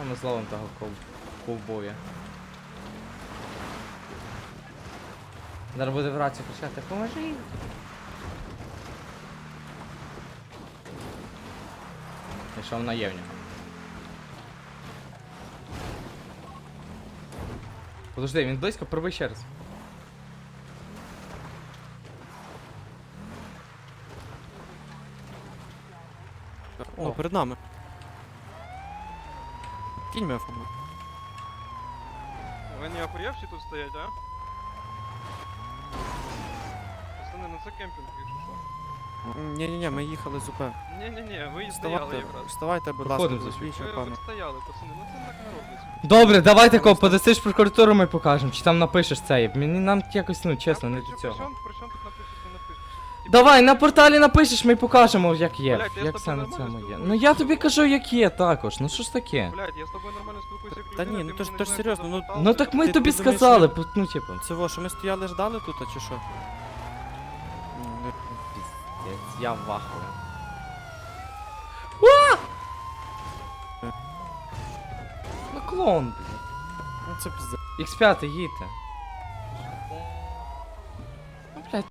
ми зловимо того ковбоя. Зараз буде в рацію кричати, поможи! І що вона є в нього? Подожди, він близько, пробуй ще раз. О, перед нами. Кінь мене фабу. Ви не охуєвші тут стоять, а? Пацани, ну це кемпінг, якщо що. Ні-ні-ні, ми їхали з УП. Ні-ні-ні, ви і стояли Вставайте, якраз. вставайте, будь ласка, Проходимо за зазвичай, Ви пане. стояли, пацани, ну це так не робиться. Добре, давай такого, подасиш прокуратуру, ми покажемо, чи там напишеш це. Мені нам якось, ну чесно, не до цього. При чому тут напишеш, не напишеш? Давай, на порталі напишеш, ми покажемо, як є. Блядь, я з Як тобою все на нормально цьому є. спілкуюсь. Ну я тобі кажу, як є також. Ну що ж таке? Блядь, я з тобою нормально спілкуюся як Та людина, ні, ти ну то ж- мені то ж не серйозно, знаєш, ну- що Ну так ми Ти тобі думаєш, сказали, що- ну типу. Це во, що ми стояли ждали тут, чи що? Піздець, я в ахуї. Ну клоун, блядь. Ну це пізде. X5, їдьте.